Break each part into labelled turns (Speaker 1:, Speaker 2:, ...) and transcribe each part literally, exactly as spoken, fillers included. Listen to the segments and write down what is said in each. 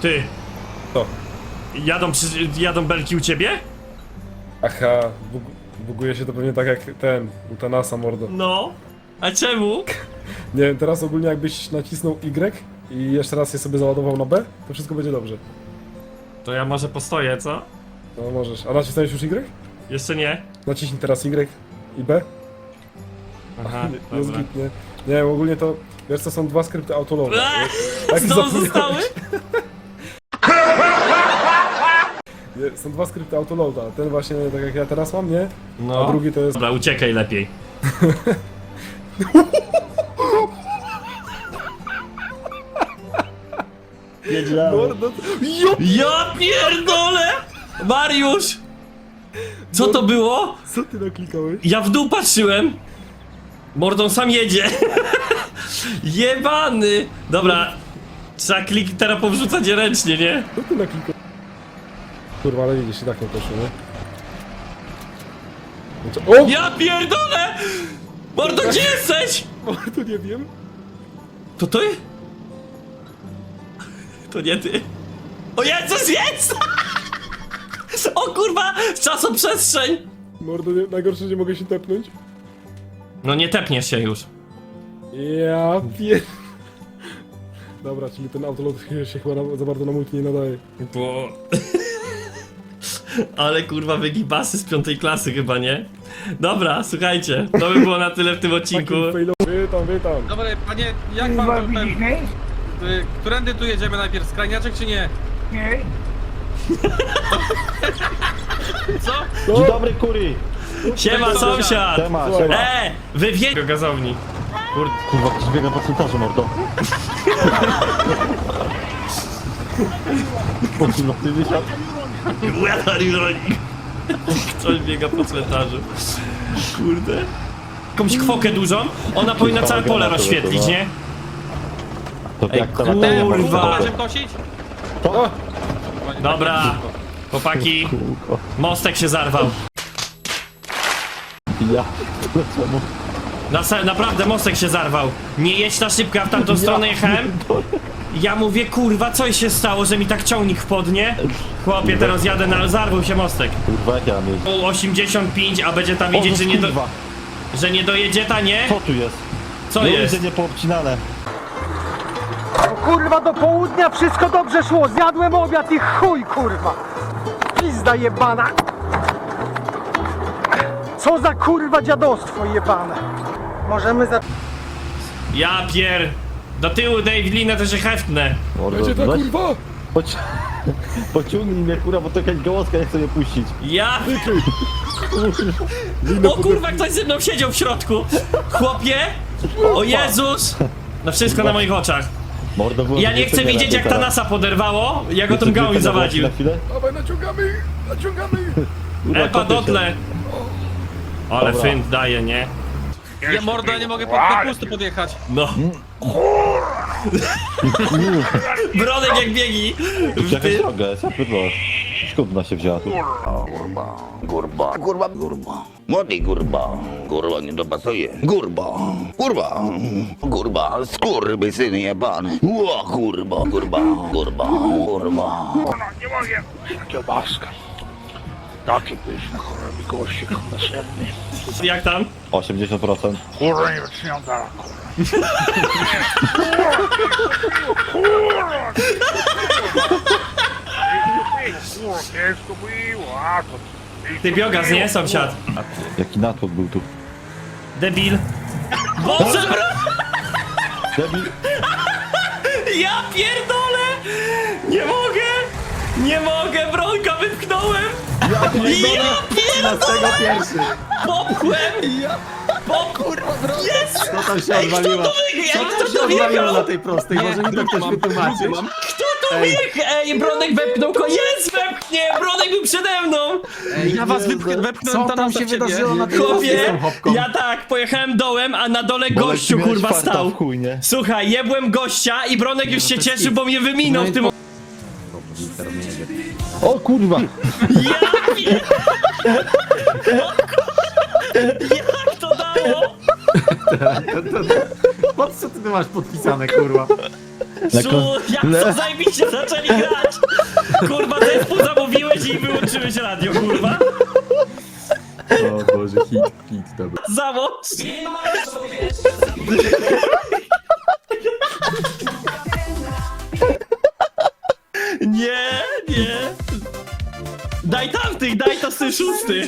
Speaker 1: Ty.
Speaker 2: Co?
Speaker 1: Jadą, przy, jadą belki u ciebie?
Speaker 2: Aha, bug, buguje się to pewnie tak jak ten, u Thanasa, mordo.
Speaker 1: No. A czemu?
Speaker 2: Nie wiem, teraz ogólnie jakbyś nacisnął Y i jeszcze raz je sobie załadował na B, to wszystko będzie dobrze.
Speaker 1: To ja może postoję, co?
Speaker 2: No możesz. A nacisnąłeś już Y?
Speaker 1: Jeszcze nie?
Speaker 2: Naciśnij teraz Y i B.
Speaker 1: Aha,
Speaker 2: Nie, jest
Speaker 1: dobra.
Speaker 2: git, nie? Nie wiem, ogólnie to, wiesz co, są dwa skrypty autolowe.
Speaker 1: Eee,
Speaker 2: Tak
Speaker 1: Znowu
Speaker 2: zapomniałeś.
Speaker 1: zostały?
Speaker 2: Nie, są dwa skrypty autoloada. Ten właśnie, tak jak ja teraz mam, nie?
Speaker 1: No.
Speaker 2: A drugi to jest...
Speaker 1: Dobra, uciekaj lepiej.
Speaker 2: Mordo, jo!
Speaker 1: Ja pierdolę! Mariusz! Co to było?
Speaker 2: Co ty naklikałeś?
Speaker 1: Ja w dół patrzyłem. Mordą sam jedzie. Jebany! Dobra, trzeba klik teraz powrzucać je ręcznie, nie?
Speaker 2: Co ty naklikałeś? Kurwa, ale widzisz, i tak nie poszło, nie? No co- O!
Speaker 1: Ja pierdolę! Mordo, gdzie jesteś?
Speaker 2: Mordo, nie wiem.
Speaker 1: To ty? To nie ty. O Jezus, jest! O kurwa, czasoprzestrzeń!
Speaker 2: Mordo, nie, najgorsze, że nie mogę się tepnąć.
Speaker 1: No nie tepniesz się już.
Speaker 2: Ja pier... Dobra, czyli ten autolot się chyba na, za bardzo na multi nie nadaje.
Speaker 1: Bo... Ale kurwa wygibasy z piątej klasy chyba, nie? Dobra, słuchajcie, to by było na tyle w tym odcinku.
Speaker 2: Takim failowy. Witam, witam.
Speaker 3: Dobra, panie, jak pan to ten... y, Którędy tu jedziemy najpierw? Skrajniaczek czy nie?
Speaker 4: Nie.
Speaker 3: Co?
Speaker 5: Dzień dobry, kury!
Speaker 1: Siema sąsiad!
Speaker 5: Siema,
Speaker 2: Słuchaj.
Speaker 5: siema.
Speaker 1: E, wy wie... do gazowni. Kur...
Speaker 5: Kurwa, ktoś biega po cmentarzu, mordo. Po czym na tym wysiadł?
Speaker 1: Weather ironik. Ktoś biega po cmentarzu. Kurde. Jakąś kwokę dużą, ona powinna całe pole rozświetlić, nie?
Speaker 5: To
Speaker 1: Ej,
Speaker 5: jak to
Speaker 1: kurwa.
Speaker 5: latanie,
Speaker 1: Kurwa.
Speaker 5: mordo.
Speaker 3: Będziemy kosić?
Speaker 5: To?
Speaker 1: Dobra, chłopaki,
Speaker 5: Kółko.
Speaker 1: mostek się zarwał.
Speaker 5: Ja. Czemu?
Speaker 1: Na, naprawdę mostek się zarwał. Nie jedź na szybko, ja w tamtą stronę jechałem. Ja mówię, kurwa, co się stało, że mi tak ciągnik wpadnie? Chłopie, teraz jadę na... zarwał się mostek.
Speaker 5: Kurwa, jak ja mam jeździć?
Speaker 1: U osiemdziesiąt pięć, a będzie tam widzieć,
Speaker 5: O,
Speaker 1: że nie, do,
Speaker 5: kurwa.
Speaker 1: że nie dojedzie ta, nie?
Speaker 5: Co tu jest?
Speaker 1: Co
Speaker 5: No
Speaker 1: jest?
Speaker 5: widzę, nie poobcinane.
Speaker 4: Kurwa, do południa wszystko dobrze szło. Zjadłem obiad i chuj, kurwa. Pizda jebana. Co za kurwa dziadostwo jebane. Możemy za...
Speaker 1: Ja pier... Do tyłu, Dave, linę to się heftnę.
Speaker 5: Mordo,
Speaker 2: Będzie to
Speaker 5: weź,
Speaker 2: kurwa!
Speaker 5: poci- Pociągnij mnie, kurwa, bo to jakaś gołoska nie chce mnie puścić.
Speaker 1: Ja... O kurwa, ktoś ze mną siedział w środku. Chłopie! O Jezus! No wszystko na moich oczach.
Speaker 5: Mordo, było
Speaker 1: Ja nie chcę widzieć, jak ta nasa poderwało, jak go tą gałąź zawadził.
Speaker 5: Na chwilę?
Speaker 2: Dawaj, naciągamy! Naciągamy!
Speaker 5: Kurwa,
Speaker 1: Epa,
Speaker 5: kopię się.
Speaker 1: dotle! Ale
Speaker 5: Dobra.
Speaker 1: fynt daje, nie?
Speaker 3: Ja mordo, ja nie mogę pod te pusty podjechać.
Speaker 1: No. Bronek jak biegi.
Speaker 5: To jakaś droga jest, ja pierdolę. Skąd ona się wzięła tu?
Speaker 6: Kurwa, kurwa, kurwa, kurwa. Młody kurwa, kurwa nie dopasuje. Kurwa, kurwa, kurwa, skurwysyny jebany. Ło, kurwa, kurwa, kurwa, kurwa.
Speaker 4: Nie mogę. Kiełbaska. Taki pyszny, kurwa, gościk następny.
Speaker 1: Jak tam?
Speaker 5: osiemdziesiąt procent.
Speaker 4: Kurwa, nie wytrzymam dalej, kurwa. Kurwa, ciężko było, a to...
Speaker 1: Ty biogas, nie? Sąsiad.
Speaker 5: Jaki natłok był tu.
Speaker 1: Debil. Boże, bro!
Speaker 5: Debil.
Speaker 1: Ja pierdolę! Nie mogę! Nie mogę, bronka wypchnąłem! Ja pierdolę! Popchłem! Popchłem! Jest!
Speaker 7: Co tam się odwaliło?
Speaker 1: Jak
Speaker 7: Co
Speaker 1: to
Speaker 7: się
Speaker 1: to
Speaker 7: odwaliło
Speaker 1: wjechał?
Speaker 7: na tej prostej? Może mi to ktoś wytłumaczyć?
Speaker 1: Kto to wjechał? Ej, Bronek wepchnął go! Jest, wepchnie! Bronek był przede mną!
Speaker 3: Ja was wypchnę, wepchnąłem
Speaker 7: Co
Speaker 3: tam
Speaker 7: tam
Speaker 3: na
Speaker 7: się
Speaker 3: ciebie.
Speaker 7: wydarzyło na tej prostej z
Speaker 1: Chłopie,
Speaker 7: tą hopką?
Speaker 1: ja tak, pojechałem dołem, a na dole gościu
Speaker 5: miałeś
Speaker 1: kurwa
Speaker 5: farta
Speaker 1: stał.
Speaker 5: w chuj, nie?
Speaker 1: Słuchaj, jebłem gościa i Bronek już się cieszył, bo mnie wyminął w tym...
Speaker 5: O kurwa!
Speaker 1: Ja pier... Jak to dało?
Speaker 7: Po co ty masz podpisane, kurwa?
Speaker 1: Szu, jak to zajebiście zaczęli grać! Kurwa, zespół zamówiłeś i wyłączyłeś radio, kurwa!
Speaker 7: O Boże, hit, hit, dobra.
Speaker 1: Załóż! Nie, nie! Daj tamtych, daj to sy szósty!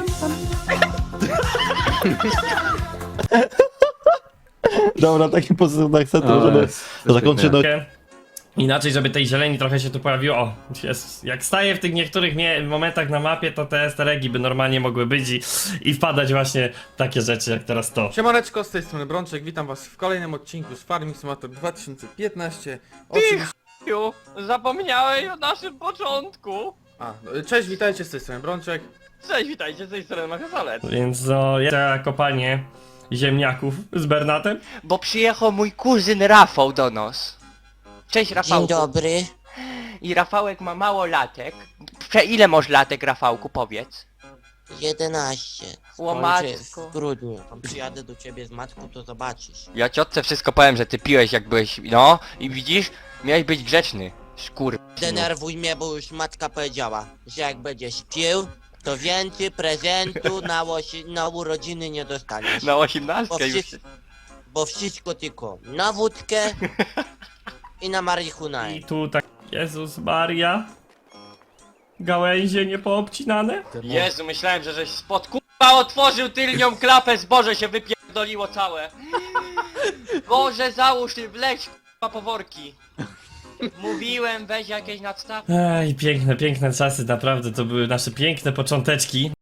Speaker 5: Dobra, takim pozytywnym akcentem,
Speaker 7: O,
Speaker 5: żeby
Speaker 7: jest.
Speaker 5: zakończyć. No,
Speaker 1: Inaczej, żeby tej zieleni trochę się tu pojawiło. O, jest. Jak staję w tych niektórych mie- momentach na mapie, to te easter eggi by normalnie mogły być i, i wpadać właśnie takie rzeczy jak teraz to.
Speaker 3: Siemaneczko, z tej strony Brączek, witam was w kolejnym odcinku z Farming Simulator dwa tysiące piętnaście. Oczywiście...
Speaker 8: Ju, zapomniałeś o naszym początku.
Speaker 3: A, no, cześć, witajcie, z tej strony Brączek.
Speaker 8: Cześć, witajcie, z tej strony Machazalec.
Speaker 1: Więc no, jest kopanie ziemniaków z Bernatem.
Speaker 8: Bo przyjechał mój kuzyn Rafał do nas. Cześć Rafałku.
Speaker 9: Dzień dobry.
Speaker 8: I Rafałek ma mało latek. Prze ile masz latek, Rafałku, powiedz?
Speaker 9: jedenaście.
Speaker 8: O,
Speaker 9: Skończę
Speaker 8: matko.
Speaker 9: w grudniu. Przyjadę do ciebie z matką, to zobaczysz.
Speaker 8: Ja ciotce wszystko powiem, że ty piłeś jak byłeś, no i widzisz, miałeś być grzeczny. Szkur...
Speaker 9: Denerwuj mnie, bo już matka powiedziała, że jak będziesz pił, to więcej prezentu na, łosi, na urodziny nie dostaniesz.
Speaker 8: Na
Speaker 9: Bo,
Speaker 8: osiemnastkę już.
Speaker 9: wszy- bo wszystko tylko na wódkę i na marihuanę.
Speaker 1: I tu tak, Jezus Maria. Gałęzie nie poobcinane?
Speaker 8: Jezu, myślałem, że żeś spod kurwa otworzył tylnią klapę, zboże się wypierdoliło całe. Boże, załóż ty, wleć kurwa po worki. Mówiłem, weź jakieś nadstawki.
Speaker 1: Ej, piękne, piękne czasy, naprawdę to były nasze piękne począteczki.